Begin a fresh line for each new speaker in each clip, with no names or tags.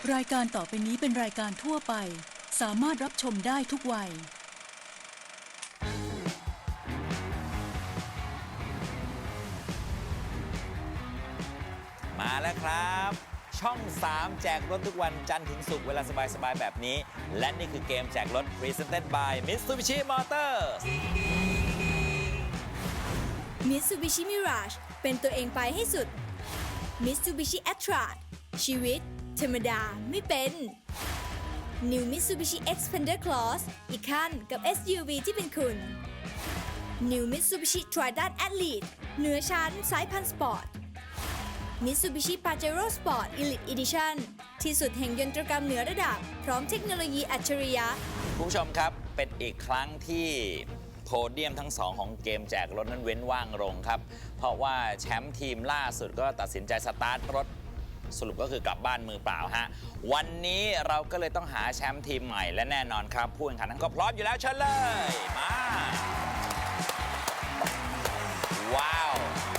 รายการต่อไปนี้เป็นรายการทั่วไปสามารถรับชมได้ทุกวัย
มาแล้วครับช่อง 3 แจกรถทุกวันจันทร์ถึงศุกร์เวลาสบายๆแบบนี้และนี่คือเกมแจกรถ Presented by Mitsubishi Motors
Mitsubishi Mirage เป็นตัวเองไปให้สุด Mitsubishi Atra ชีวิตธรรมดาไม่เป็น New Mitsubishi Xpander Cross อีกขั้นกับ SUV ที่เป็นคุณ New Mitsubishi Triton Athlete เหนือชั้นสายพันธุ์สปอร์ต Mitsubishi Pajero Sport Elite Edition ที่สุดแห่งยนตรกรรมเหนือระดับพร้อมเทคโนโลยีอัจฉริยะ
คุณผู้ชมครับเป็นอีกครั้งที่โพเดียมทั้งสองของเกมแจกรถนั้นเว้นว่างลงครับเพราะว่าแชมป์ทีมล่าสุดก็ตัดสินใจสตาร์ทรถสรุปก็คือกลับบ้านมือเปล่าฮะวันนี้เราก็เลยต้องหาแชมป์ทีมใหม่และแน่นอนครับผู้แข่งขันทั้งก็พร้อมอยู่แล้วเชิญเลยมาว้าว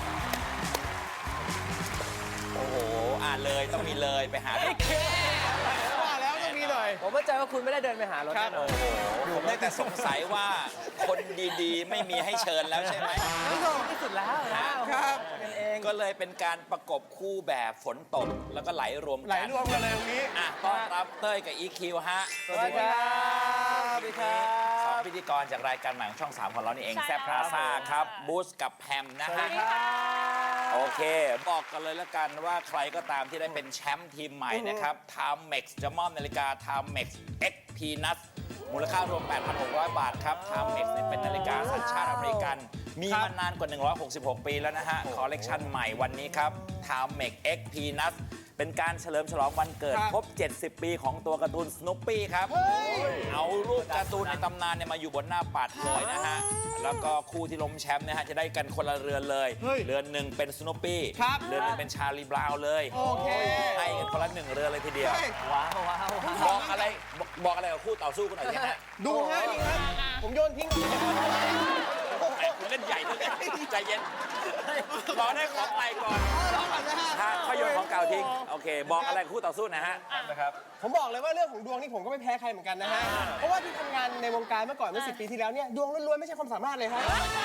โอ้โหเลยต้องมีเลยไปหาพี่เค
ว่าแล้วต้องมีหน่อย
ผมมั่นใจว่าคุณไม่ได้เดินไปหารถแน่นอน
ผมได้แต่สงสัยว่าคนดีๆไม่มีให้เชิญแล้วใช่ไหม
นี่ก็ที่สุดแล้วนะครับ กันเอง
ก็เลยเป็นการประกบคู่แบบฝนตกแล้วก็ไหลรวมกัน
ไหลรวมกันเลยตรงนี้
ต้อนรับเต้ยกับ EQ ฮะ
สวัสดีครับสวัสดีครับ
สองพิธีกรจากรายการใหม่ของช่อง 3 ของเรานี่เอง
ใช่
แซ่บพลาซ่าครับบูสกับแพมนะฮะโอเค บอกกันเลยแล้วกันว่าใครก็ตามที่ได้เป็นแชมป์ทีมใหม่นะครับ Timex จะมอบนาฬิกา Timex X Peanuts มูลค่ารวม 8,600 บาทครับ Timex เนี่ยเป็นนาฬิกาสัญชาติอเมริกัน มีมานานกว่า 166 ปีแล้วนะฮะ คอลเลกชันใหม่วันนี้ครับ Timex X Peanuts เป็นการเฉลิมฉลองวันเกิด ครบ 70 ปีของตัวการ์ตูนสนุปปี้ครับ เอารูปการ์ตูนในตำนานเนี่ยมาอยู่บนหน้าปัดเลยนะฮะ แล้วก็คู่ที่ล้มแชมป์นะฮะจะได้กันคนละเรือนเลย
เฮ้ย
เรือนหนึ่งเป็นสนุปปี้
ครับ
เรือนหนึ่งเป็นชาลีบราวน์เลย
โอเค
ให้กันคนละ1เรือนเลยทีเดียว
เฮ้ย
ว้าวว้าว
บอกอะไรกับคู่ต่อสู้กันหน่อยสิฮะ
ดูฮะนี่ครับ ผมโยนทิ้ง
แหมคุณเล่นใหญ่ด้วยใจเย็นรอได้ของใหม่ก่อน
รอก่อนนะฮะ
ถ้าเขาโยนของเก่าทิ้งโอเค บอกอะไรกับคู่ต่อสู้นะฮะ
ผมบอกเลยว่าเรื่องของดวงนี่ผมก็ไม่แพ้ใครเหมือนกันนะฮะ เพราะว่าที่ทำงานในวงการเมื่อก่อนเมื่อ10 ปีที่แล้วเนี่ยดวงล้วนๆไม่ใช่ความสามารถเลยครับ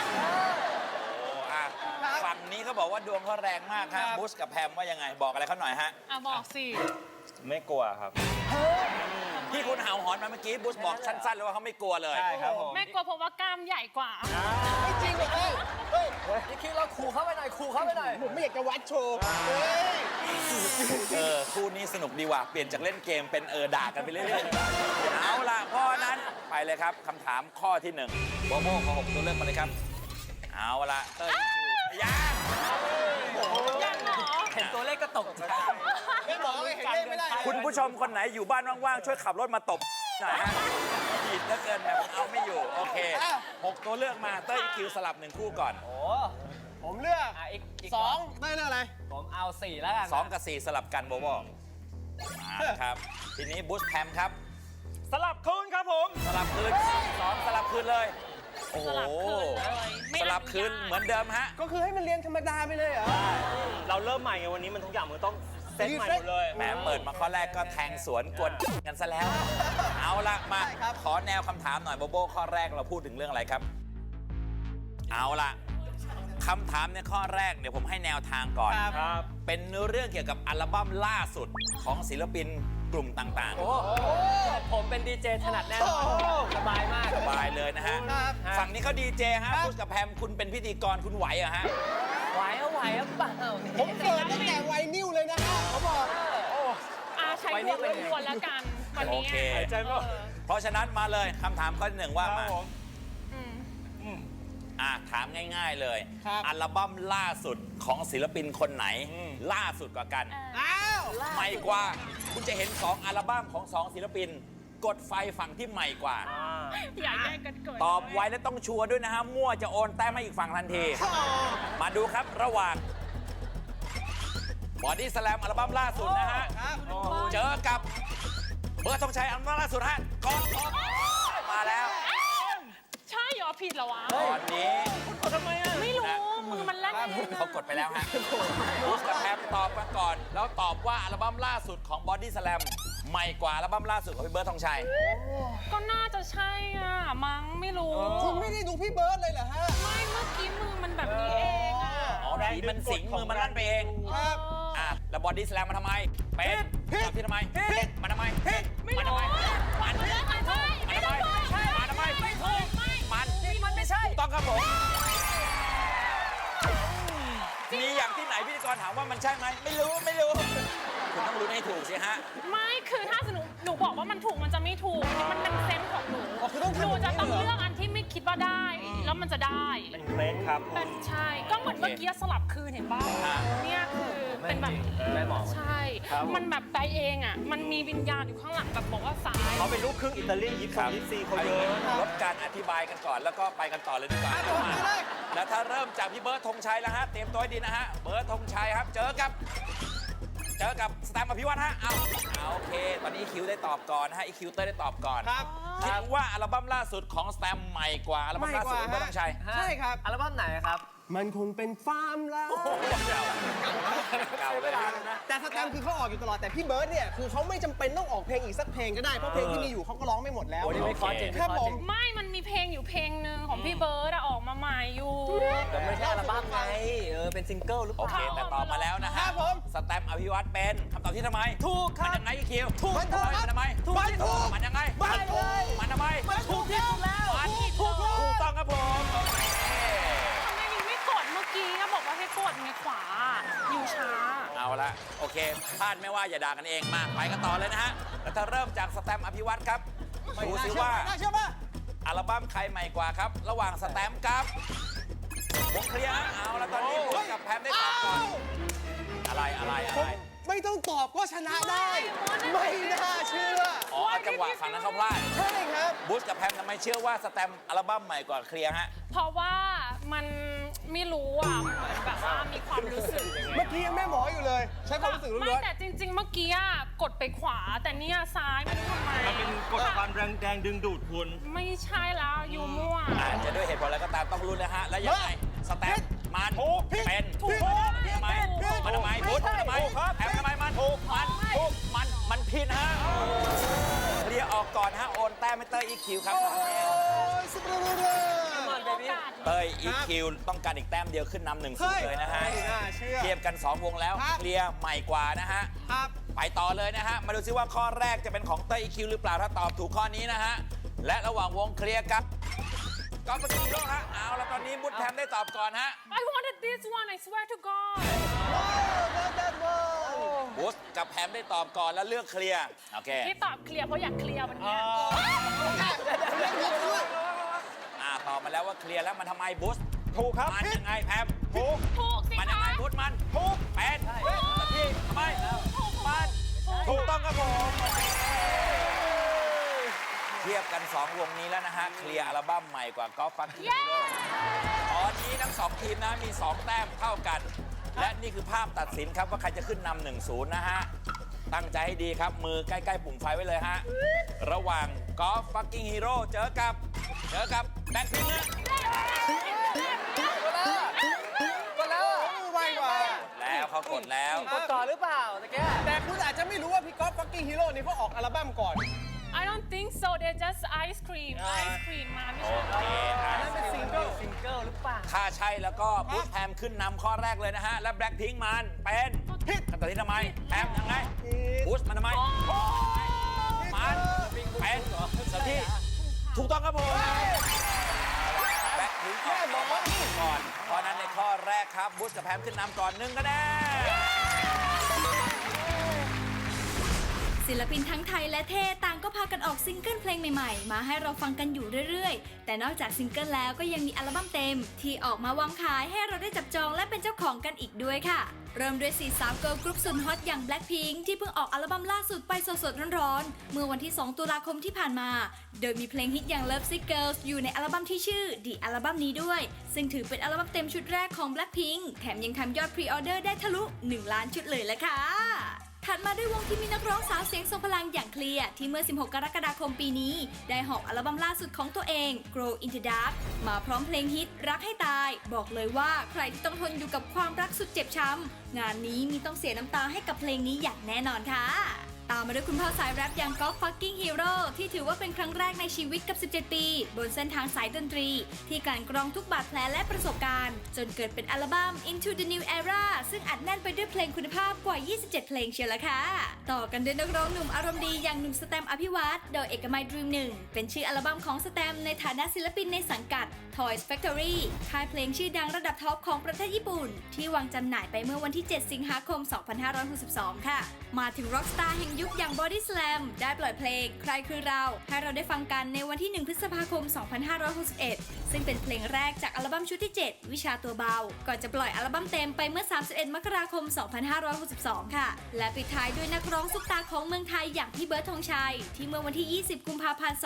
ฝั่งนี้เขาบอกว่าดวงเขาแรงมากฮะบุชกับแพมว่ายังไงบอกอะไรเขาหน่อยฮะ
บอกสิ
ไม่กลัวครับ
ที่คุณเห่าหอนมาเมื่อกี้บุชบอกสั้นๆเลยว่าเขาไม่กลัวเลย
ใช่ครับผม
แม่กลัวเพราะว่ากล้ามใหญ่กว่า
ไม่จริงเลยเฮ้ย
นี่คิดเราขู่เข้าไปหน่อยขู่เข้าไปหน่อย
ผมไม่อยากจะวัดโชว์เฮ้ย
คู่นี้สนุกดีว่ะเปลี่ยนจากเล่นเกมเป็นด่ากันไปเรื่อยๆเอาล่ะเพราะนั้นไปเลยครับคำถามข้อที่1โบโบขอ6ตัวเลือกมาเลยครับเอาล่ะเต้ยยัง
ยังเหรอ
เห็นตัวเลขก็ตกใจ
ไม่บอกเลยเห็นเลขไม่ได้
คุณผู้ชมคนไหนอยู่บ้านว่างๆช่วยขับรถมาตบหน่อยฮะผิดเหลือเกินแบบเอาไม่อยู่โอเค6ตัวเลือกมาเต้ยคิวสลับ1คู่ก่อน
โอ้
ผมเลือก
อีก
2ได้เลือกอะไร
ผมเอา4แล้วกัน
2 กับ 4 สลับกันโบโบมาครับทีนี้บูชแพมครับ
สลับคืนครับผม
สลับคืน2สลับคืนเลยโอ้โห
สลับคืนเลย
สลับคืนเหมือนเดิมฮะ
ก็คือให้มันเรียงธรรมดาไปเลยเหรอ
เราเริ่มใหม่ไงวันนี้มันทุกอย่างมันต้องเซตใหม่หมดเลย
แหมเปิดมาข้อแรกก็แทงสวนกวนกันซะแล้ว เอาละมา
ได้ครับ
ขอแนวคำถามหน่อยโบโบข้อแรกเราพูดถึงเรื่องอะไรครับ เอาละคำถามในข้อแรกเดี๋ยวผมให้แนวทางก่อน
ครับ
เป็นเรื่องเกี่ยวกับอัลบั้มล่าสุดของศิลปินกลุ่มต่าง
โอ้ผมเป็นดีเจถนัดแน่นอนสบายมาก
ๆ สบายเลยนะฮะ
ครับ
ฝั่งนี้เขาดีเจฮะพูดกับแพมคุณเป็นพิธีกรคุณไหวเหรอะฮะ
ไหวเอาไหวเอาเปล่า
ผมเกิดตั้งแต่วัยนิ้วเลยนะฮะเขาบอก
ใช้หัวล้วนๆแล้วกันวัน
โอ
นี้
เค
หายใจไม่ออก
เพราะฉะนั้นมาเลยคำถามข้อที่ 1ว่า
ครับ
มา
ผม
ถามง่ายๆเลย
ครับ
อัลบั้มล่าสุดของศิลปินคนไหน ล่าสุดกว่ากัน
อ้าว
ใหม่กว่า คุณจะเห็น 2 อัลบั้มของ 2 ศิลปิน กดไฟฝั่งที่ใหม่กว่า
อย่าแย่งกันเกิด
ตอบไวและต้องชัวร์ด้วยนะฮะ มั่วจะโอนแต้มให้อีกฝั่งทันที มาดูครับระหว่างบอดี้สแลมอัลบั้มล่าสุดนะฮะ เจอกับเบอร์ธงชัยอัลบั้มล่าสุดฮะกองมาแล้ว
ใช่เหรอผิดเหรอวะ
ตอนนี้
ไม่รู้
น
มือมันแล่นเองอะ
เขากดไปแล้วฮะบูสกับแพมตอบมาก่อน แล้วตอบว่าอัลบั้มล่าสุดของ Body Slam ใหม่กว่าอัลบั้มล่าสุดของพี่เบิร์ดธงชัย
ก็น่าจะใช่อ่ะ มั้งไม่รู้
คุณไม่ได้ดูพี่เบิร์ดเลยเหรอฮะ
ไม่เมื่อกี้มือมันแบบนี้เองอ่ะ
อ๋อผีมันสิงมือมันลั่นไปเอง
ครับ
แล้ว Body Slam มันทำไม เป็นตอบที่ทำไมมันทำไม
ไม่
มัน
รู้
ทำไม
มัน
มัน
ไม่ใช่
มันทำไมมันทำไม
ไม่ถูกไม่
มันไม่ใช่ถูกต้องครับผม มีอย่างที่ไหนพิธีกรถามว่ามันใช่ไหม ไม่รู้ คุณต้องรู้ให้ถูกสิฮะ
ไม่คือถ้าสมมติหนูบอกว่ามันถูกมันจะไม่ถูกมันเป็นเซนส์ของหนู
อ๋อคือต้อง
ห
ทำ
นู
แบบนี้
จะต้อง
เหรอ
เลือกอันที่ไม่คิดว่าได้ แล้วมันจะได้
เป็นเคล็ดครับ
เป็นใช่ ก็เหมือนเมื่อกี้สลับคืนเห็นป่ะเนี่ยคือเป็นแบบ
แม่หมอ
ใช่ มันแบบไปเองอ่ะ มันมีวิญญาณอยู่ข้างหลังแบบบอกว่าซ้าย
เขาเป็นลูกครึ่งอิตาเลียนยิปซีเขาเยอะ
ลดการอธิบายกันก่อนแล้วก็ไปกันต่อเลยดีกว่า
ผมไปเลย
แล้วถ้าเริ่มจากพี่เบิร์ดธงชัยแล้วฮะ เตรียมตัวให้ดีนะฮะ เบิร์ดธงชัยครับ เจอกับสแตมป์อภิวัตฮะ เอาโอเค ตอนนี้คิวได้ตอบก่อนนะฮะ อีคิวเตอร์ได้ตอบก่อน
ครับ
คิดว่าอัลบั้มล่าสุดของสแตมป์ใหม่กว่าอัลบั้มล่าสุดของเบิร์ดธงชัย
ใช่ครับ
อัลบั้มไหนครับ
มันคงเป็นฟาร์มแล้ว
เก่าเลยนะ
แต่สแตมป์คือเขาออกอยู่ตลอด แต่พี่เบิร์ดเนี่ย คือเขาไม่จำเป็นต้องออกเพลงอีกสักเพลงก็ได้ เพราะเพลงที่มีอยู่เขาก็ร้องไม่หมดแล้ว
โอ้นี่ไม่คอจริง
ครับผม
ไม่ มันมีเพลงอยู่เพลงหนึ่งของพี่เบิร์ดอะออกมาใหม่อยู่
แต่ไม่ใช่อัลบั้มไงเป็นซิงเกิลหรือเป
โอ
ล่า
เค แต่ตอบมาแล้วนะฮะ
ครับผม
สแตมป์อภิวัตเป็นคำตอบที่ทำไม
ถูกครับ
มันยังไงอีคิว
ถูก
มันทำไม
ถูก
มันยังไง
มันถูก
มันทำไม
มันถูกที่สุดแล้ว
มัน
ถูก
ถูกต้องครับผมโอเค
ทำไมยังไม่กดเมื่อกี้ก็บอกว่าให้กดไงขวา อยู่ช้า
เอาละโอเคพลาดไม่ว่าอย่าด่ากันเองมาไปกันต่อเลยนะฮะ แล้วถ้าเริ่มจากสแตมป์อภิวัตครับดูซิว่า
น่าเชื่อป่ะ
อัลบั้มใครใหม่กว่าครับ ระหว่างสแตมป์กับวงเคลียร์ฮะเอาแล้วตอนนี้ผมกับแพมได้ตอบก่อนอะไร
ไม่ต้องตอบก็ชนะได้ ไม่น่าเชื่อ
อ๋อจังหวะฝั่งนั้นเขาพลาด
ใช่ครับ
บูสกับแพมทำไมเชื่อว่าสแตมป์อัลบั้มใหม่กว่าเคลียร์ฮะ
เพราะว่ามันไม่รู้อ่ะ เหมือนแบบว่ามีความรู้สึก
เมื่อกี้ยังแม่หมออยู่เลย ใช้ความรู้สึกล้
ไม่
วน
แต่จริง ๆ เมื่อกี้อะกดไปขวา แต่เนี่ยซ้ายไม่รู้ทำไม
มันเป็นกฎความแรงดึงดูดคุณ
ไม่ใช่แล้วยูมั่ว
อาจจะด้วยเหตุผลอะไรก็ตามต้องรู้นะฮะ แล้วยังไงสแตมป์มันเป็น
ถูก
ทำไมมันทำไมบูสทำไมแพมทำไมมันถูกมันผิดฮะเคลียร์ออกก่อนฮะโอนแต้มให้เตอร์อีคิวครับ
ๆ โอ้ยสุดยอดเลย
เตอร์อีคิวต้องการอีกแต้มเดียวขึ้นนำหนึ่งศูนย์เลยนะฮะ
ไม่น่าเชื่อ
เทียบกัน 2 วงแล้ว
ครับ
เคลียร์ใหม่กว่านะฮะ
ครับ
ไปต่อเลยนะฮะ มาดูซิว่าข้อแรกจะเป็นของเตอร์อีคิวหรือเปล่าถ้าตอบถูกข้อนี้นะฮะ และระหว่างวงเคลียร์กับกอล์ฟกิโลฮะ เอาแล้วตอนนี้บุตแพมได้ตอบก่อนฮะ
I wanted this one I swear to God
บุสกับแพมได้ตอบก่อนแล้วเลือกเคลียร์ โอเค
ที่ตอบเคลียร์เพราะอยากเคลียร์วันเนี้ย
ตอบมาแล้วว่าเคลียร์แล้วมันทำไมบุสถูกครับมันยังไงแพมถูก
ถูกสิ
มันยังไง
คะ
บุสมันถูกเป็นที่ทำไมมันถูกต้องครับผมเทียบกัน 2 วงนี้แล้วนะฮะ เคลียร์อัลบั้มใหม่กว่ากอล์ฟฟักกิ้งฮีโร่ตอนนี้ทั้ง 2 ทีมนะมี 2 แต้มเท่ากัน และนี่คือภาพตัดสินครับว่าใครจะขึ้นนำ 1-0 นะฮะ ตั้งใจให้ดีครับ มือใกล้ๆปุ่มไฟไว้เลยฮะ ระหว่างกอล์ฟฟักกิ้งฮีโร่เจอกับแบ็คพิงค์นะ
ไวกว่า
แล้วเขากดแล้ว
กดก่อนหรือเปล่าตะแก
แต่คุณอาจจะไม่รู้ว่าพี่ก๊อฟฟักกิ้งฮีโร่นี่เขาออกอัลบั้มก่อน
I don't think so they just ice cream มาไม่
โอ
ใช่
เคอ่ะ
นั่นเป็นซิงเกิลหรือเปล่า
ถ้าใช่แล้วก็บูธแพมขึ้นนำข้อแรกเลยนะฮะ และแบล็คพิงค์มันเป็นผิดคำตอบที่ทำไมแพมยังไงบูธมันทำไมมันเป็นสักที่ถูกต้องครับผมแบล็คพิงค์ออกก่อนเพราะนั้นในข้อแรกครับบูธกับแพมขึ้นนำก่อน1 คะแนน
ศิลปินทั้งไทยและเทศต่างก็พากันออกซิงเกิลเพลงใหม่ๆ มาให้เราฟังกันอยู่เรื่อยๆ แต่นอกจากซิงเกิลแล้วก็ยังมีอัลบั้มเต็ม ที่ออกมาวางขายให้เราได้จับจองและเป็นเจ้าของกันอีกด้วยค่ะ เริ่มด้วย4 สาวเกิร์ลกรุ๊ปสุดฮอตอย่าง Blackpink ที่เพิ่งออกอัลบั้มล่าสุดไปสดๆร้อนๆ เมื่อวันที่ 2 ตุลาคมที่ผ่านมา โดยมีเพลงฮิตอย่าง Love Sick Girls อยู่ในอัลบั้มที่ชื่อ The อัลบั้มนี้ด้วย ซึ่งถือเป็นอัลบั้มเต็มชุดแรกของ Blackpink แถมยังทำยอดพรีออเดอร์ได้ทะลุ 1 ล้านชุดเลยละค่ะถัดมาด้วยวงที่มีนักร้องสาวเสียงทรงพลังอย่างเคลียร์ที่เมื่อ 16 กรกฎาคมปีนี้ ได้หอบอัลบั้มล่าสุดของตัวเอง Grow in the Dark มาพร้อมเพลงฮิตรักให้ตาย บอกเลยว่าใครที่ต้องทนอยู่กับความรักสุดเจ็บช้ำงานนี้มีต้องเสียน้ำตาให้กับเพลงนี้อย่างแน่นอนค่ะ ตามมาด้วยคุณพ่อสายแรปอย่างก๊อฟฟักกิ้งฮีโร่ที่ถือว่าเป็นครั้งแรกในชีวิตกับ 17 ปี บนเส้นทางสายดนตรี ที่กลั่นกรองทุกบาดแผลและประสบการณ์ จนเกิดเป็นอัลบั้ม Into the New Era ซึ่งอัดแน่นไปด้วยเพลงคุณภาพกว่า 27 เพลงเชียวละค่ะ ต่อกันด้วยนักร้องหนุ่มอารมณ์ดีอย่างหนุ่มสแตมป์อภิวัตโดยเอกมัย Dream 1 เป็นชื่ออัลบั้มของสแตมป์ในฐานะศิลปินในสังกัด Toys Factory ค่ายเพลงชื่อดังระดับท็อปของประเทศญี่ปุ่นที่วางจำหน่ายไปเมื่อวันที่ 7 สิงหาคม 2562 ค่ะมาถึงร็อกสตาร์แห่งยุคอย่าง Body Slam ได้ปล่อยเพลงใครคือเราให้เราได้ฟังกันในวันที่ 1 พฤษภาคม 2561 ซึ่งเป็นเพลงแรกจากอัลบั้มชุดที่ 7 วิชาตัวเบา ก่อนจะปล่อยอัลบั้มเต็มไปเมื่อ 31 มกราคม 2562 ค่ะ และปิดท้ายด้วยนักร้องซุปตาของเมืองไทยอย่างพี่เบิร์ดธงชัย ที่เมื่อวันที่ 20 กุมภาพันธ์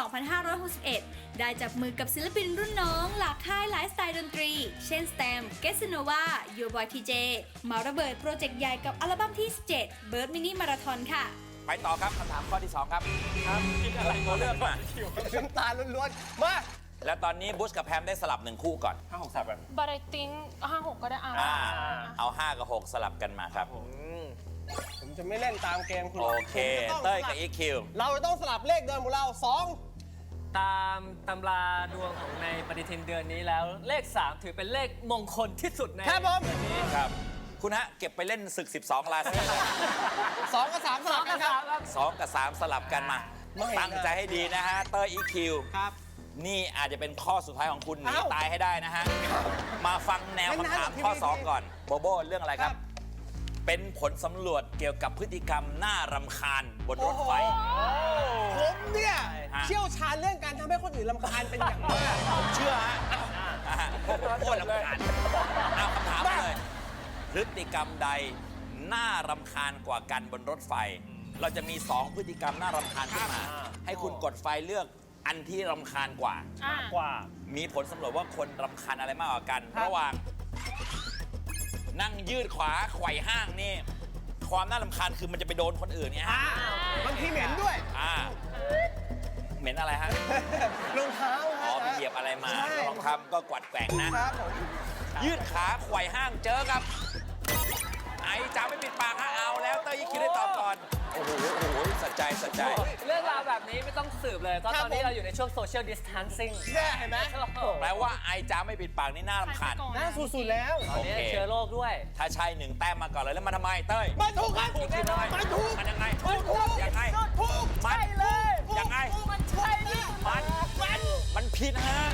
2561 ได้จับมือกับศิลปินรุ่นน้องหลากค่ายหลายสไตล์ดนตรี เช่น Stem, Gesanova, Your Boy TJ มาระเบิดโปรเจกต์ใหญ่กับอัลบั้มที่ 17 Bird Mini Marathon ค่ะ
ไปต่อครับคำถามข้อที่ 2 ครับคิดอะไรตัวเลือกมา
น้ำตาล้วนๆมา
แล้วตอนนี้บุชกับแพมได้สลับ1คู่ก่อน
5 6 3แบบ
But I think 5-6 ก็ได้
เอา 5 กับ 6 สลับกันมาครับ
ผมจะไม่เล่นตามเกมคุณ
โอเค เต้ยกับอีคิว
เราจะต้องสลับเลขเดิมของเรา
ตามตำราดวงของในปฏิทินเดือนนี้แล้วเลข 3 ถือเป็นเลขมงคลที่สุดใน
2 ครับผม
เดือนนี้
ครับ คุณฮะ เก็บไปเล่นศึก 12 ราศีเลย
2 กับ 3 สลับกันครับ
2 กับ 3 สลับกันมา
ไม่นะ
ตั้งใจให้ดีนะฮะ เต้ยอีคิว
ครับ
นี่อาจจะเป็นข้อสุดท้ายของคุณหนี
เอ้า
ตายให้ได้นะฮะ มาฟังแนวคำถามข้อ 2 ก่อน โบโบเรื่องอะไรครับ เป็นผลสำรวจเกี่ยวกับพฤติกรรมน่ารำคาญบนรถไฟ
ผมเนี่ย
ฮะ
เชี่ยวชาญเรื่องการทำให้คนอื่นรำคาญเป็นอย่างมาก
ผมเชื่อฮะโคตรรำคาญเอาคำถามมาเลย พฤติกรรมใดน่ารำคาญกว่ากันบนรถไฟ เราจะมี 2 พฤติกรรมน่ารำคาญขึ้นมา ให้คุณกดไฟเลือกอันที่รำคาญกว่า
กว่า
มีผลสำรวจว่าคนรำคาญอะไรมากกว่ากัน ระหว่าง นั่งยืดขวาไขว่ห้างนี่ ความน่ารำคาญคือมันจะไปโดนคนอื่นเนี่ยฮะ
บางทีเหม็นด้วย
เหม็นอะไรฮะ
รองเท้า
อ๋อ
ฮะ
ไปเหยียบอะไรมา
ใช่
ลองทำก็กวัดแกว่งนะ
ครับผม
ยืดขาไขว่ห้างเจอกับ ไอ้จ๋าไม่ปิดปากฮะเอาแล้วเต้ยคิดได้ตอบก่อน โอ้โหสัจใจ
เรื่องราวแบบนี้ไม่ต้องสืบเลยเพราะตอนนี้เราอยู่ในช่วง social distancing
เนี่ยเห็นไหม
แปลว่าไอ้จ๋าไม่ปิดปากนี่น่ารำคาญ
น่าสุดๆแล้ว
ตอนนี้เชื้อโรคด้วย
ถ้าใช่1 แต้มมาก่อนเลยแล้วมาทำไมเต้ย
มันถูกครับ
อีกทีทำไม
มันถูก
มันยังไง
มันถูก
ยังไง
ถูก
มัน
ใช่เลย
ยังไง
มันใช่เลย
มันผิดฮะ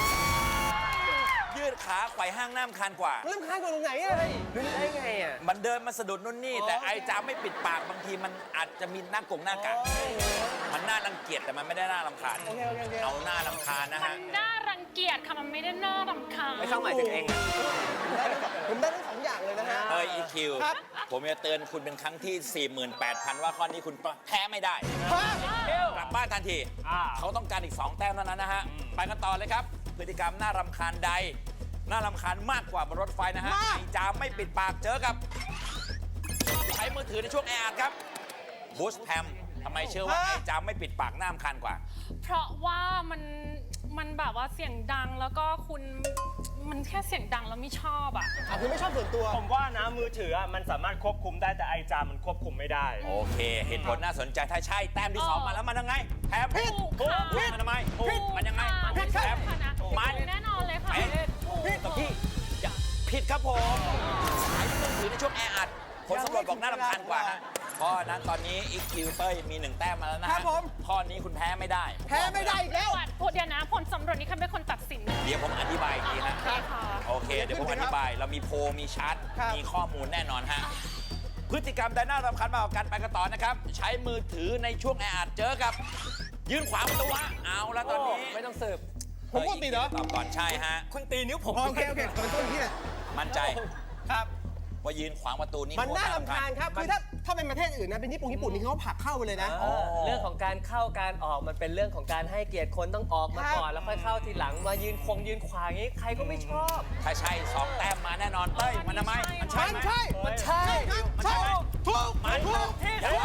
ยืดขาไขว่ห้างน้ำคานกว่า
รำคาญกว่าตรงไหนอะ
รู้ได้ไงอ่ะ
มันเดินมาสะดุดนู่นนี่ แต่ไอ้จ๋าไม่ปิดปากบางทีมันอาจจะมีหน้ากงหน้ากากมันน่ารังเกียจแต่มันไม่ได้น่ารำคาญ
โอเค
เอาหน้ารำคาญนะ
มั
ฮะ
นน่ารังเกียจค่ะ มันไม่ได้น่ารำคาญ
ไม่ต้องหมายถึงเองอะ
ผมได้ทั้งสองอย่างเลยนะฮะ
เฮ้ยอีคิว
ครับ
ผมจะเตือนคุณเป็นครั้งที่ 48,000 ว่าข้อนี้คุณแพ้ไม่ได้
ฮะ
กลับบ้านทันที เขาต้องการอีก 2 แต้มเท่านั้นนะฮะ ไปกันต่อเลยครับ พฤติกรรมน่ารำคาญใด น่ารำคาญมากกว่าบนรถไฟนะฮะ ไอ้จามไม่ปิดปากเจอกับ ใช้มือถือในช่วงแออัดครับบูสแพมทำไมเชื่อว่าไอ้จามไม่ปิดปากน่ารำคาญกว่า
เพราะว่ามันแบบว่าเสียงดังแล้วก็มันแค่เสียงดังแล้วไม่ชอบอ่ะ
คือไม่ชอบส่วนตัว
ผมว่านะมือถืออะมันสามารถควบคุมได้แต่ไอจามมันควบคุมไม่ได้
โอเค เหตุผลน่าสนใจถ้าใช่แต้มที่ 2 มาแล้วมันยังไงแพม
ผิดค่ะ
พูดมันทำไมมันยังไง
ผิด
แพ
ค่ะ
ม
นะ
มัน
แน่นอนเลยค่ะ
กับพี่อย่าผิดครับผมสายมือถือในช่วงแออัดผลสำรวจบอกน่ารำคาญกว่าฮะเพราะฉะนั้นตอนนี้อีคิวเต้ยมี 1 แต้มมาแล้วนะ
ครั
ฮะ
บผม
ข้อนี้คุณแพ้ไม่ได้
แพ้ไม่ได้อีกแล้ว
พูดเดี๋ยวนะผลสำรวจนี้ใครเป็นคนตัดสิน
เดี๋ยวผมอธิบายอีกทีฮะ
โอเคค่ะ
โอเค เดี๋ยวผมอธิบาย เรามีโพลมีชาร์ต
ครับ
มีข้อมูลแน่นอนฮะ พฤติกรรมใดน่ารำคาญมากกว่ากันไปกันต่อนะครับ ใช้มือถือในช่วงแออัดเจอกับ ยืนขวางประตูฮะ เอาละตอนนี้
ไม่ต้องสืบ
ผมปกติเหรอ
ตอบก่อนใช่ฮะ
คุณตีนิ้วผม
โอเคขอโทษพี่
มั่นใจ
ครับ
ว่ายืนขวางประตูนี่
มันน่ารำคาญครับ คือถ้าเป็นประเทศอื่นนะ เป็นญี่ปุ่นนี่เขาผลักเข้าไปเลยนะ
เรื่องของการเข้าการออกมันเป็นเรื่องของการให้เกียรติคนต้องออกมาก่อนแล้วค่อยเข้าทีหลังมายืนขวางอย่างนี้ใครก็ไม่ชอบ
ถ้าใช่ 2 แต้มมาแน่นอนเต้ย มันทำไม มันใช่ไหม
มันใช่
มันใช่
ใช่
มันใช่ไหม
ถูก
มัน
ถูก
ยังไง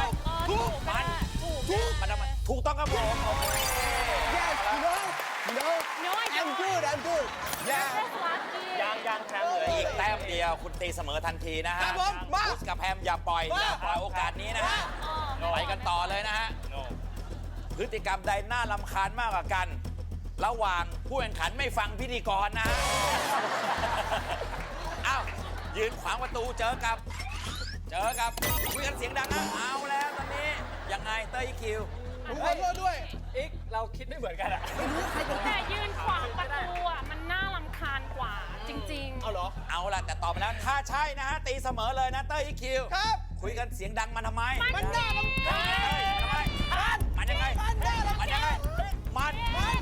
ครับผม
Yes you know
No, I
I'm
don't.
good I'm good yeah
That's lucky.
ยังแชมป์เหลือ
อี
อี
ก
ก
แต้มเดียวคุณตีเสมอทันทีนะ
ครั
ฮะ
บผมมา
บูสกับแพมอย่าปล่อยโอกาสนี้นะฮะไปกันต่อเลยนะฮะ พฤติกรรมใดน่ารำคาญมากกว่ากัน ระหว่างผู้แข่งขันไม่ฟังพิธีกรนะฮะ อ้าว ยืนขวางประตูเจอกับคุยกันเสียงดังนะเอาแล้วตอนนี้ ยังไงเต้ยคิว
ผมขอโทษด้วย
อีกเราคิดไม่เหมือนกันอะ
แต่ยืนขวางประตูอ่ะมันน่ารำคาญกว่าจริง
เอาเหรอ
เอาล่ะแต่ตอบไปแล้ว ถ้าใช่นะฮะ ตีเสมอเลยนะเต้ยคิว
ครับ
คุยกันเสียงดังมันทำไม
มันน่ารำคาญ
มันยังไง
มันน่ารำคาญ
มันยังไง มัน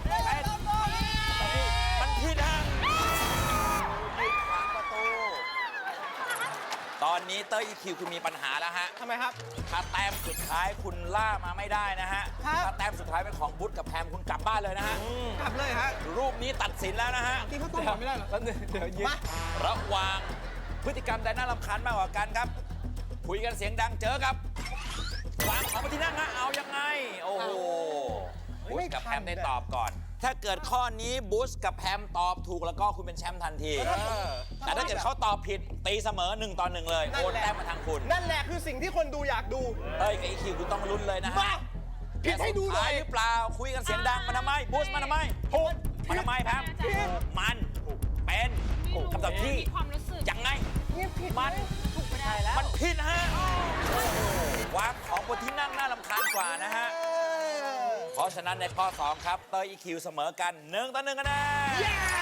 ผิดฮะยืนขวางประตู ตอนนี้เต้ยคิวคุณมีปัญหาแล้วฮะ
ทำไมครับ
ถ้าแต้มสุดท้ายคุณล่ามาไม่ได้นะฮะ
ครับ
ถ้าแต้มสุดท้ายเป็นของบุ๊ทกับแพมคุณกลับบ้านเลยนะฮะ
กลับเลยฮะ
รูปนี้ตัดสินแล้วนะฮะ
ที่เขาต้องบอกไม่ได้เหรอ
แล้วเดี๋ยวยืน
มา
ระหว่างพฤติกรรมใดน่ารำคาญมากกว่ากันครับ คุยกันเสียงดังเจอกับวางของมาที่นั่งฮะเอายังไง โอ้โหบูสกับแพมได้ตอบก่อน ถ้าเกิดข้อนี้บูสกับแพมตอบถูกแล้วก็คุณเป็นแชมป์ทันที แต่ถ้าเกิดเขาตอบผิดตีเสมอ1-1 เลยโอนแต้มมาทางคุณ
นั่นแหละคือสิ่งที่คนดูอยากดู
เอ้ยกับอีคิวคุณต้องลุ้นเลยนะฮะ
มาผิดให้ดูหน่อย
แต่สุท้าหรือเปล่าคุยกันเสียงดังมันทำไมบูสมันทำไม
ถูก
มันทำไมแพมมันเป็น
ๆ
คำตอบที่
มีความรู้สึก
ยังไง
เงียบผิด
มัน
ถูกไม่ได้แล้ว
มันผิดฮะวางของบนที่นั่งน่ารำคาญกว่านะฮะ เพราะฉะนั้นในข้อ 2 ครับ เตยอีคิวเสมอกัน1-1คะแนน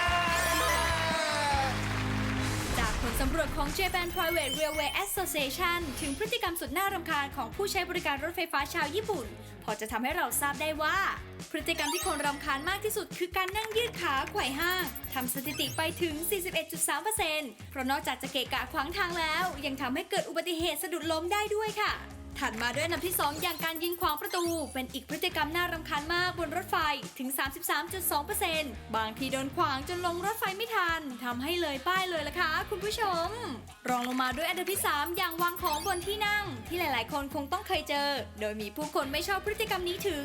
จากผลสำรวจของ Japan Private Railway Association ถึงพฤติกรรมสุดน่ารำคาญของผู้ใช้บริการรถไฟฟ้าชาวญี่ปุ่น พอจะทำให้เราทราบได้ว่า พฤติกรรมที่คนรำคาญมากที่สุดคือการนั่งยืดขาไขว่ห้างทำสถิติไปถึง 41.3% เพราะนอกจากจะเกะกะขวางทางแล้ว ยังทำให้เกิดอุบัติเหตุสะดุดล้มได้ด้วยค่ะ ถัดมาด้วยอันดับที่ 2 อย่างการยืนขวางประตู เป็นอีกพฤติกรรมน่ารำคาญมากบนรถไฟถึง 33.2% บางทีโดนขวางจนลงรถไฟไม่ทันทำให้เลยป้ายเลยล่ะค่ะคุณผู้ชม รองลงมาด้วยอันดับที่ 3 อย่างวางของบนที่นั่ง ที่หลายๆ คนคงต้องเคยเจอ โดยมีผู้คนไม่ชอบพฤติกรรมนี้ถึง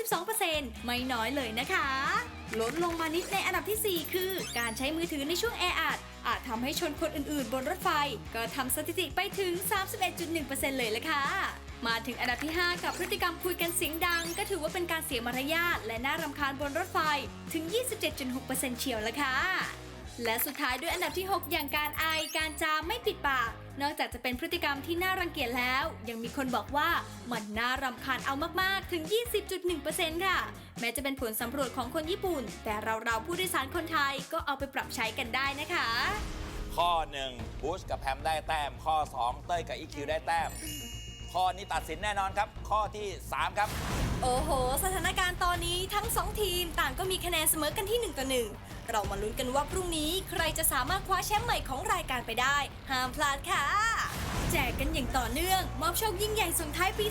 32% ไม่น้อยเลยนะคะลดลงมานิดในอันดับทีสี่ คือ การใช้มือถือในช่วงแออัดอาจทำให้ชนคนอื่นๆ บนรถไฟ ก็ทำสถิติไปถึง 31.1% เลยล่ะค่ะ มาถึงอันดับที่ 5 กับพฤติกรรมคุยกันเสียงดัง ก็ถือว่าเป็นการเสียมารยาทและน่ารำคาญบนรถไฟถึง 27.6% เชียวละค่ะ และสุดท้ายด้วยอันดับที่ 6 อย่างการไอ การจามไม่ปิดปาก นอกจากจะเป็นพฤติกรรมที่น่ารังเกียจแล้ว ยังมีคนบอกว่ามันน่ารำคาญเอามากๆ ถึง 20.1% ค่ะ แม้จะเป็นผลสำรวจของคนญี่ปุ่น แต่เราผู้โดยสารคนไทยก็เอาไปปรับใช้กันได้นะคะ
ข้อ 1บูสกับแพมได้แต้ม ข้อ 2 เต้ยกับอีคิวได้แต้ม ข้อนี้ตัดสินแน่นอนครับ ข้อที่ 3 ครับ
โอ้โห สถานการณ์ตอนนี้ทั้ง 2 ทีมต่างก็มีคะแนนเสมอกันที่ 1-1 เรามาลุ้นกันว่าพรุ่งนี้ใครจะสามารถคว้าแชมป์ใหม่ของรายการไปได้ ห้ามพลาดค่ะ แจกกันอย่างต่อเนื่อง มอบโชคยิ่งใหญ่ส่งท้ายปี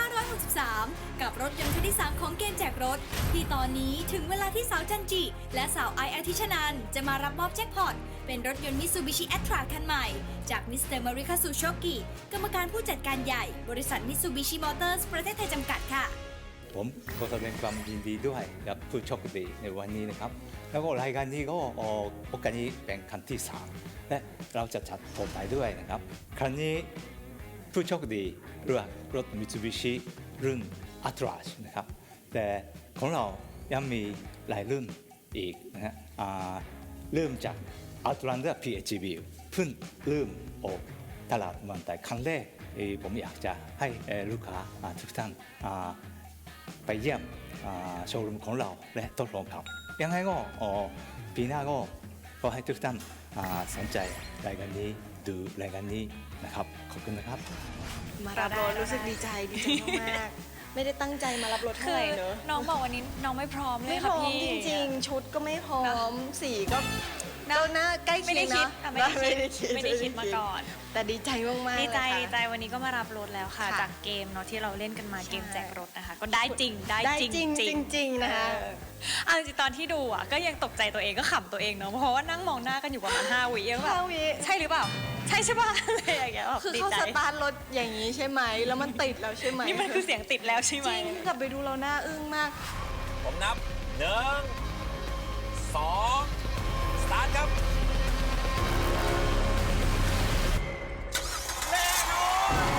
2563 กับรถยนต์คันที่ 3 ของเกมแจกรถ ที่ตอนนี้ถึงเวลาที่สาวจันจิ และสาวไออาทิชนันจะมารับมอบแจ็คพอต เป็นรถยนต์ Mitsubishi Attrage คันใหม่ จากมิสเตอร์มาริคาซูโชกิกรรมการผู้จัดการใหญ่ บริษัท Mitsubishi Motors ประเทศไทยจำกัดค่ะ
ผมก็แสดงความยินดีด้วยกับผู้โชคดีในวันนี้นะครับ แล้วก็รายการนี้ก็โอกาสนี้เป็นครั้งที่ 3 และเราจะจัดต่อไปด้วยนะครับ ครั้งนี้ผู้โชคดีเลือกรถ Mitsubishi รุ่น Attrage นะครับ แต่ของเรายังมีหลายรุ่นอีกนะฮะเริ่มจาก Outlander PHEV เพิ่งเริ่มออกตลาดเมืองไทยครั้งแรกผมอยากจะให้ลูกค้าทุกท่านไปเยี่ยมโชว์รูมของเราและทดลองขับยังไงก็ปีหน้าก็ขอให้ทุกท่านสนใจรายการนี้ดูรายการนี้นะครับขอบคุณนะครับ
มารับรถรู้สึกดีใจมากๆ ไม่ได้ตั้งใจมารับรถเท่าไหร่เนอะ
น้องบอกวันนี้น้องไม่พร้อมเลย
ไม่พ
ค่ะ
ร้อม
พี่
จริงๆ ชุดก็ไม่พร้อม สีก็
นะ
หน้าใกล้
ไม่
เคีย
ได้
ง
คิด
นะ
ไม่ได้คิดมาก่อน
แต่ดีใจมากๆ
ดีใจ
เลยค่ะ
ดีใจวันนี้ก็มารับรถแล้วค่ะ
ค่ะ
จากเกมเนาะที่เราเล่นกันมา
ใช่
เกมแจกรถนะคะ ก็ได้จริงได้
ได้
จริง
จริงจริงๆนะคะ
เอาจริงๆตอนที่ดูอ่ะก็ยังตกใจตัวเองก็ขำตัวเองเนาะเพราะว่านั่งมองหน้ากันอยู่ประมาณ5 วิเองแบบ
5 วิ
ใช่หรือเปล่าใช่ใช่ป่ะอะไรอย่างเงี้ยแบบ
คือ
ดี
เขา
ใจ
สตาร์ทรถอย่างนี้ใช่ไหม แล้วมันติดแล้วใช่ไหม
นี่มันคือเสียงติดแล้วใช่ไหม
จริงกลับไปดูเราหน้าอึ้งมาก
ผมนับ 1 2 สตาร์ทครับ แน่นอน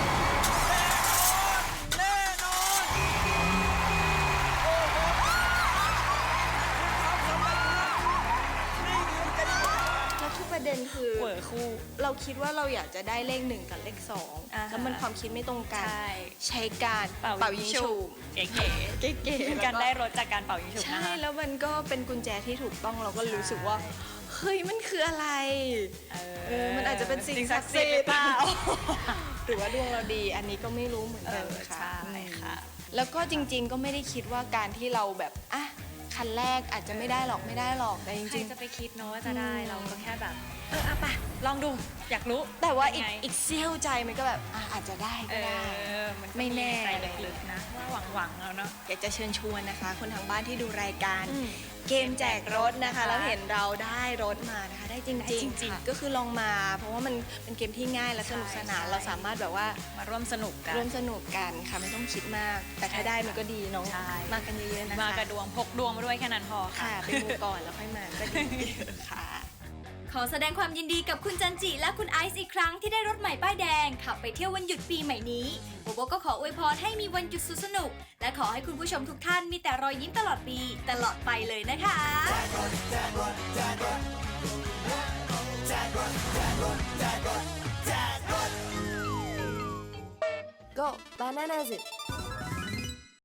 แน่นอน โอ้โหทำสำเร็จครับนี่คือเจนนี่
แล้วทุกประเด็นคือ
เวอร์คู่
เราคิดว่าเราอยากจะได้เลข 1 กับเลข
อ่า
2
ฮะ
แล้วมันความคิดไม่ตรงกัน
ใช่
ใช้การ
เป่ายิงฉุบ เก๋
เก๋
ๆ
ๆ
เป็น
แล้ว
การได้รถจากการเป่ายิงฉุบ
ใช่
นะคะ
แล้วมันก็เป็นกุญแจที่ถูกต้องเราก็รู้สึกว่า เฮ้ย มันคืออะไร มันอาจจะเป็นสิ่งศักดิ์สิทธิ์
หรือเปล่า
หรือว่าดวงเราดี อันนี้ก็ไม่รู้เหมือนกันค่ะ
ใช่ค่ะ
แล้วก็จริง ๆ ก็ไม่ได้คิดว่าการที่เราแบบอ่ะคันแรกอาจจะไม่ได้หรอกแต่จ
ใคร
ริง
จะไปคิดเนาะว่าจะได้ เราก็แค่แบบ
เอาไป
ลองดู อยากรู้
แต่ว่าอีก
เป็นไง
อีกเสี้ยวใจมันก็แบบอาจจะได้ก็ได้
มันก็
ไม่แน่
ใจลึกๆนะว่าหวังๆแล้วเนาะ
อยากจะเชิญชวนนะคะ คนทางบ้านที่ดูรายการ
อืม
เกมแจกรถนะคะ แล้วเห็นเราได้รถมานะคะ ได้จริง
ได้จริงๆ
ค่ะก็คือลองมา เพราะว่ามันเป็นเกมที่ง่ายและสนุกสนาน
ใช่
เราสามารถแบบว่า
มาร่วมสนุกกัน
ร่วมสนุกกันค่ะไม่ต้องคิดมาก แต่ถ้าได้มันก็ดีเนาะ
ใช่
มากันเยอะๆนะคะ
มากระดวงพกดวงมาด้วยแค่นั้นพอค่ะ
ค่ะไปดูก่อนแล้วค่อยมาก็ดีค่ะ
ขอแสดงความยินดีกับคุณจันจิและคุณไอซ์อีกครั้งที่ได้รถใหม่ป้ายแดง ขับไปเที่ยววันหยุดปีใหม่นี้โบโบก็ขออวยพรให้มีวันหยุดสุดสนุก และขอให้คุณผู้ชมทุกท่านมีแต่รอยยิ้มตลอดปีตลอดไปเลยนะคะ
Go bananas it